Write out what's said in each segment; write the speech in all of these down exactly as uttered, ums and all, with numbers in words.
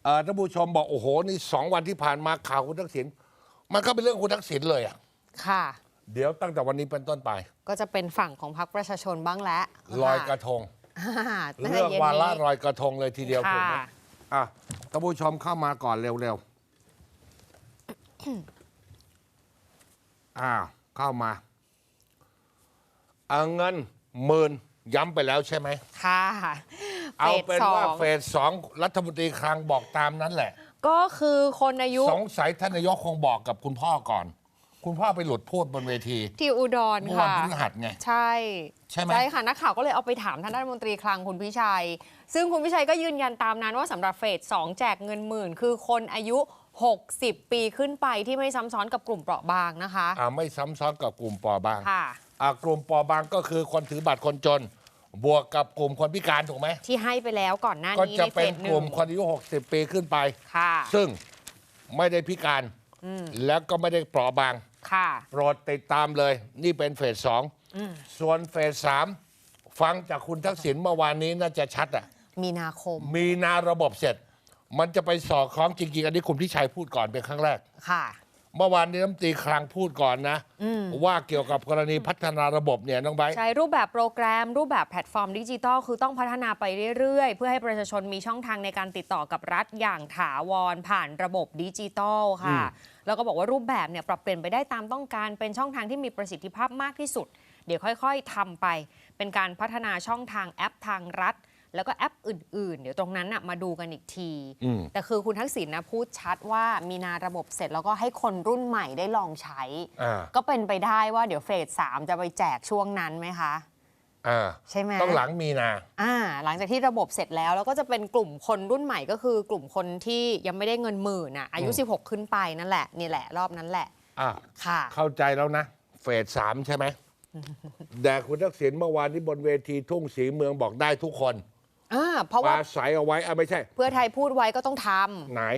ท่านผู้ชมบอกโอ้โหนี่สองวันที่ผ่านมาข่าวคุณทักษิณมันก็เป็นเรื่องคุณทักษิณเลยอ่ะค่ะเดี๋ยวตั้งแต่วันนี้เป็นต้นไปก็จะเป็นฝั่งของพรรคประชาชนบ้างแล้วลอยกระทงเรื่องวาระลอยกระทงเลยทีเดียวถูกไหมอ่ะท่านผู้ชมเข้ามาก่อนเร็วๆอ้าวเข้ามาเอาเงินหมื่นย้ำไปแล้วใช่ไหมค่ะเอาเป็นว่าเฟสสองรัฐมนตรีคลังบอกตามนั้นแหละก็คือคนอายุสงสัยท่านนายกคงบอกกับคุณพ่อก่อนคุณพ่อไปหลุดพูดบนเวทีที่อุดรค่ะวันพฤหัสไงใช่ใช่ไหมใช่ค่ะนักข่าวก็เลยเอาไปถามท่านรัฐมนตรีคลังคุณพิชัยซึ่งคุณพิชัยก็ยืนยันตามนั้นว่าสำหรับเฟสสองแจกเงินหมื่นคือคนอายุหกสิบปีขึ้นไปที่ไม่ซ้ำซ้อนกับกลุ่มเปราะบางนะคะอ่าไม่ซ้ำซ้อนกับกลุ่มเปราะบางค่ะอ่ากลุ่มเปราะบางก็คือคนถือบัตรคนจนบวกกับกลุ่มคนพิการถูกไหมที่ให้ไปแล้วก่อนหน้านี้ก็จะเป็นกลุ่มคนอายุหกสิบปีขึ้นไปค่ะซึ่งไม่ได้พิการแล้วก็ไม่ได้เปราะบางค่ะโปรดติดตามเลยนี่เป็นเฟสสองส่วนเฟสสามฟังจากคุณทักษิณเมื่อวานนี้น่าจะชัดอ่ะมีนาคมมีนาระบบเสร็จมันจะไปสอดคล้องจริงๆอันนี้คุณพิชัยพูดก่อนเป็นครั้งแรกค่ะเมื่อวานนี้รัฐมนตรีคลังพูดก่อนนะว่าเกี่ยวกับกรณีพัฒนาระบบเนี่ยน้องไบร์ทใช้รูปแบบโปรแกรมรูปแบบแพลตฟอร์มดิจิทัลคือต้องพัฒนาไปเรื่อยๆเพื่อให้ประชาชนมีช่องทางในการติดต่อกับรัฐอย่างถาวรผ่านระบบดิจิทัลค่ะแล้วก็บอกว่ารูปแบบเนี่ยปรับเปลี่ยนไปได้ตามต้องการเป็นช่องทางที่มีประสิทธิภาพมากที่สุดเดี๋ยวค่อยๆทำไปเป็นการพัฒนาช่องทางแอปทางรัฐแล้วก็แอปอื่นๆเดี๋ยวตรงนั้นนะมาดูกันอีกทีแต่คือคุณทักษิณนะพูดชัดว่ามีนาระบบเสร็จแล้วก็ให้คนรุ่นใหม่ได้ลองใช้ก็เป็นไปได้ว่าเดี๋ยวเฟสสามจะไปแจกช่วงนั้นไหมคะใช่ไหมต้องหลังมีนาอ่าหลังจากที่ระบบเสร็จแล้วแล้วก็จะเป็นกลุ่มคนรุ่นใหม่ก็คือกลุ่มคนที่ยังไม่ได้เงินหมื่นอ่ะอายุสิบหกขึ้นไปนั่นแหละนี่แหละรอบนั้นแหละอ่าค่ะเข้าใจแล้วนะเฟสสามใช่ไหมแต่คุณทักษิณเมื่อวานที่บนเวทีทุ่งศรีเมืองบอกได้ทุกคนอ่าเพราะว่าใส่เอาไว้อ่ะไม่ใช่เพื่อไทยพูดไว้ก็ต้องทำไหน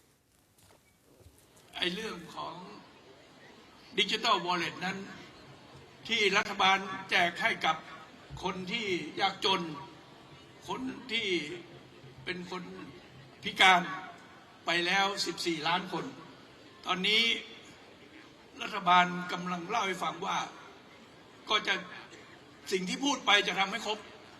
ไอ้เรื่องของดิจิทัลวอลเล็ตนั้นที่รัฐบาลแจกให้กับคนที่ยากจนคนที่เป็นคนพิการไปแล้วสิบสี่ล้านคนตอนนี้รัฐบาลกำลังเล่าให้ฟังว่าก็จะสิ่งที่พูดไปจะทำให้ครบ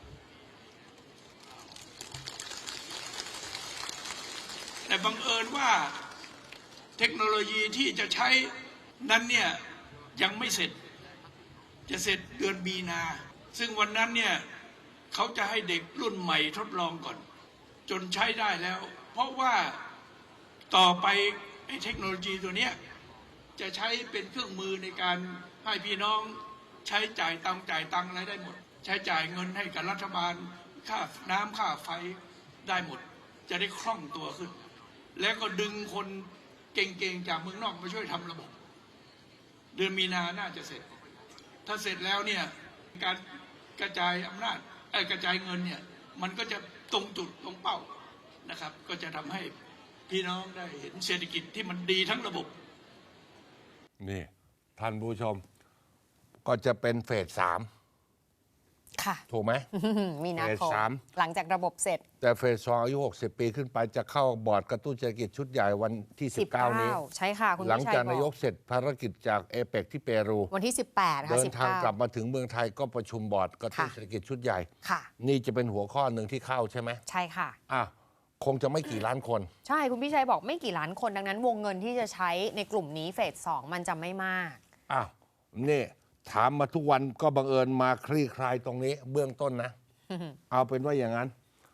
แต่บังเอิญว่าเทคโนโลยีที่จะใช้นั้นเนี่ยยังไม่เสร็จจะเสร็จเดือนมีนาซึ่งวันนั้นเนี่ยเขาจะให้เด็กรุ่นใหม่ทดลองก่อนจนใช้ได้แล้วเพราะว่าต่อไปไอ้เทคโนโลยีตัวเนี้ยจะใช้เป็นเครื่องมือในการให้พี่น้องใช้จ่ายตังจ่ายตังอะไรได้หมดใช้จ่ายเงินให้กับรัฐบาลค่าน้ำค่าไฟได้หมดจะได้คล่องตัวขึ้นแล้วก็ดึงคนเก่งๆจากเมืองนอกมาช่วยทำระบบเดือนมีนาน่าจะเสร็จถ้าเสร็จแล้วเนี่ยการกระจายอำนาจไอ้กระจายเงินเนี่ยมันก็จะตรงจุดตรงเป้านะครับก็จะทำให้พี่น้องได้เห็นเศรษฐกิจที่มันดีทั้งระบบนี่ท่านผู้ชมก็จะเป็นเฟสสามค่ะถูกไหมมีนาคมหลังจากระบบเสร็จแต่เฟสสองอายุหกสิบปีขึ้นไปจะเข้าบอร์ดกระตุ้นเศรษฐกิจชุดใหญ่วันที่สิบเก้านี้ใช่ค่ะคุณหลังจากนายกเสร็จภารกิจจากเอเปกที่เปรูวันที่สิบแปดค่ะเดินทางกลับมาถึงเมืองไทยก็ประชุมบอร์ดกระตุ้นเศรษฐกิจชุดใหญ่ค่ะนี่จะเป็นหัวข้อหนึ่งที่เข้าใช่ไหมใช่ค่ะอ่ะคงจะไม่กี่ล้านคนใช่คุณพี่ชัยบอกไม่กี่ล้านคนดังนั้นวงเงินที่จะใช้ในกลุ่มนี้เฟสสองมันจะไม่มากอ้าวนี่ถามมาทุกวันก็บังเอิญมาคลี่คลายตรงนี้เบื้องต้นนะเอาเป็นว่าอย่างนั้น